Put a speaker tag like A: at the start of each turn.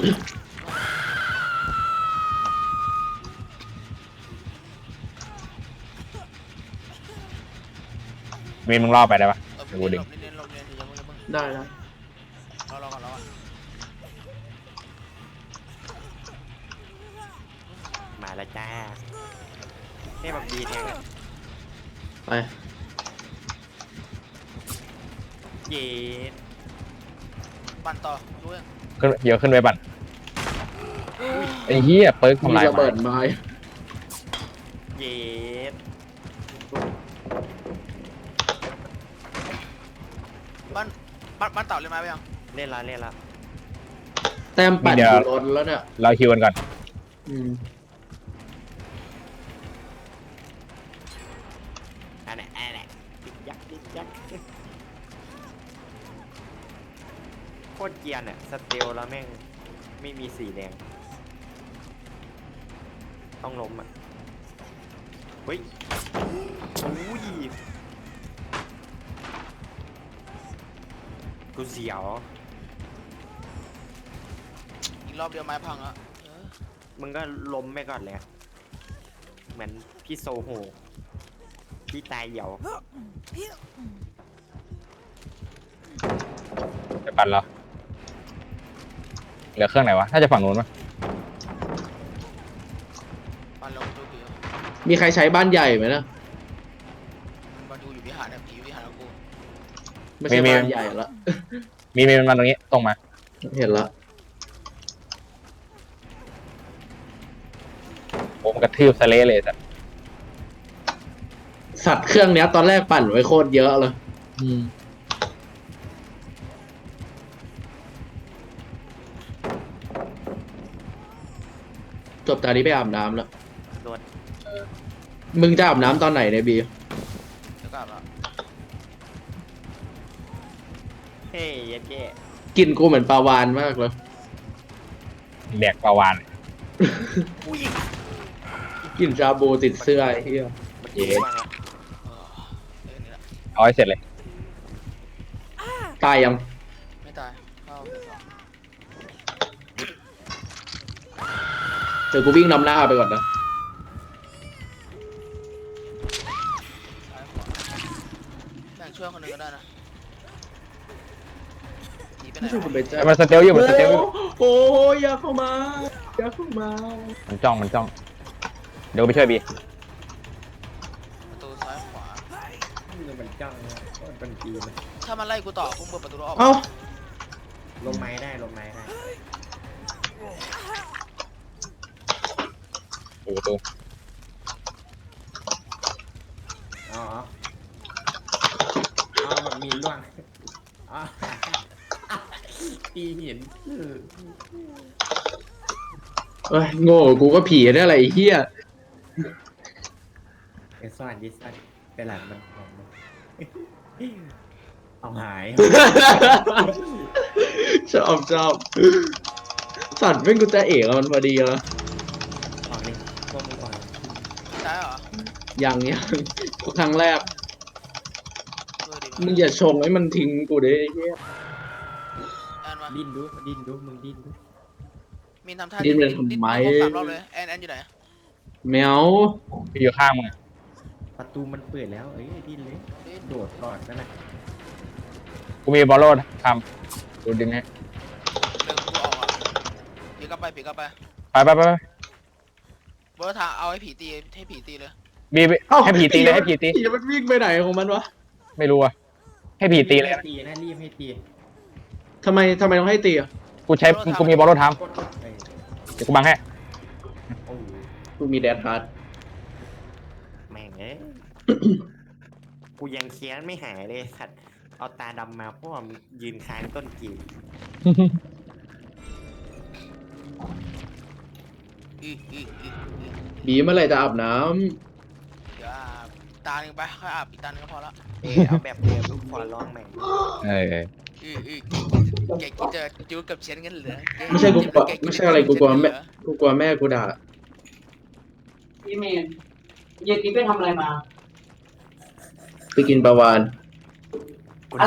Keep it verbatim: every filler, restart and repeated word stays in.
A: มีมึงล่อไปได้ปะ
B: เออ
A: กู
B: เรี
A: ดึ
B: ยน
A: ง
B: หลบเรียนหลบเรียนเรียนอย่าเพิ่งอย่าเพิ่ง
C: ได้แล้ว
B: รอรอก่อนรอก่อน
D: มาแล้วจ้านี่แบบดีแทงอะ
C: ไป
D: เย็ด
B: ปั่นต่อรู้ยัง
A: ขึ้นเยอะขึ้นไปปั่นไอ้เหี้ยเปิร์ก
C: มี
A: ทำลาย
C: ระเบิดไม้
D: เย็ด
B: บ้านบ้านบ้านเต่าเลยนไหมไปยัง
D: เล่นละเล่นละ
C: แต้มปั่นอยู่ล้นแล้วเนี่ย
A: เราคิวกันก่อน
C: อืม
D: อันไหนอันไหนดิ๊กยักดิ๊กยักโคตรเกรียนอะสเตลแล้วแม่งไม่มีสีแดงต้องล้มอะเฮ้ยอุ้ยกูเสียว
B: อีกรอบเดียวไม้พังอ่ะเออ
D: มึงก็ล้มไปก่อนเลยอะเหมือนพี่โซโหพี่ตายเหี่ยว
A: จะปั่นเหรอเหลือเครื่องไหนวะน่าจะฝั่งนู้นมั้ง
B: ปั่นลงดูผี
C: มีใครใช้บ้านใหญ่ไหมนะ
B: มันอยู่อยู่วิหารเนี่ยผีอยู่วิหารของกู
C: ไม่ใช่บ้านใหญ่ละ
A: มีมีมันมาตรงนี้ตรงมา
C: เห็นละ
A: ผมกระทืบสะเละเลยสัตว์
C: สัตว์เครื่องเนี้ยตอนแรกปั่นไว้โคตรเยอะเลยอืมจบตอนนี้ไปอาบน้ำแล้ว
D: โดน
C: มึงจะอาบน้ำตอนไหนเนี่ยบี
B: เดี๋ยวกลับแล้ว
D: เฮ้ยเย็ดเย่
C: กินกูเหมือนปลาวานมากเลย
A: แดกปลาวาน
D: อุ้ย
C: กินชาบูติดเสื้อไอ้เหี้ย
D: มันเย็ดมาก
B: เออเล่นนี่แหละ
A: เอาให้เสร็จเลย
C: ตายยัง
B: ไม่ตายเข้าเฟสสอง
C: เดี๋ยวกูวิ่งนำหน้าไปก่อนนะ
B: ซ้ายขวาแบ่งช่วยคนหนึ่งก็ได้นะหนีไปไหน
C: ไม่ใช่กูไป
B: วะ
C: แจ้
A: แต่มันสเตลอยู่มันสเตลอยู่
C: โอ้ยอย่าเข้ามาอย่าเข้ามา
A: มันจ้องมันจ้องเดี๋ยวไปช่วยบี
B: ประตูซ้ายขวา
D: มันจังมันเป็นจีน
B: ถ้ามันไล่กูต่อกูเปิดประตูแล้วออก
C: เอ้า
D: ลมไม้ได้ลมไม้ได้
A: ดูประตู
D: อ๋ออ๋อมันมีล่วงอ๋อตีเห็น
C: เอ้ยโง่กูก็ผีได้อะไรไอ้เหี้ย
D: ไอ้ซ่อนดิสันไปหลังมันของมันเอาหาย
C: ชอบชอบสัตว์เป็นกูจะเอกอะมันพอดีแล้ว
D: ออกนี่พวกมึงก่อน
B: ซ้ายเหรอ
C: ยังยังครั้งแรก
B: ช่วยดิ
C: มึงอย่าชงให้มันทิ้งกูดิไอ้เหี้ย
B: แอนมา
D: ดิ้นดูดิ้นดูมึงดิ้นดู
B: มีนทำท่า
C: ดิ้นเป็นทำไม
B: ดิ้นครบสามรอบเลยแอนแอนอยู่ไหน
C: แมว
A: พี่อยู่ข้างมึงอะ
D: ประตูมันเปิดแล้วเอ้ยดิ้นเลย
B: ดิ้น
D: โดดก่อนนั่นแหละ
A: กูมีบอลโลดทำดูดึงให้
B: เดินกูออกอ่ะผีกลับไปผีกลับไป
A: ไปไปไปไป
B: บอสทางเอาให้ผีตีให้ผีตีเลย
A: บีบี
C: เอ้า
A: ให้ผีตีเลยให้ผีตี
C: ผีมันวิ่งไปไหนของมันวะ
A: ไม่รู้อะให้ผีตีเลย
D: ให้
A: นะ
D: ตีนะรีบให้ตี
C: ทำไมทำไมต้องให้ตีอะ
A: กูใช้กูมีบอลโลดท
D: กดกดเอ้ย
A: ำเดี๋ยวกูบังให้
D: โอ้ย
C: กูมีแดดฮาร์ด
D: แม่งเอ้ย กูยังเคี้ยนไม่หายเลยสัตว์เอาตาดำมาเพราะว่ามึงยืนค้างต้นกีบ
B: อีอีอีอี
C: บีเมื่อไหรจะอาบน้
B: เดี๋ยวอาบตาหนึ่งไปค่อยอาบอีกตาหนึ่งก็พอละ
D: เออเอาแบบเดิมลูกขอร้องแม่ง
A: เออ
B: อีอีแกกินจะจูกับเชียนกันเหรอ
C: ำไม่ใช่กูกลัวไม่ใช่อะไรกูกลัวแม่กูกลัวแม่กูด่า
E: พี่เมย์เย็นนี้ไปทำอะไรมา
C: ไปกินปลาวาน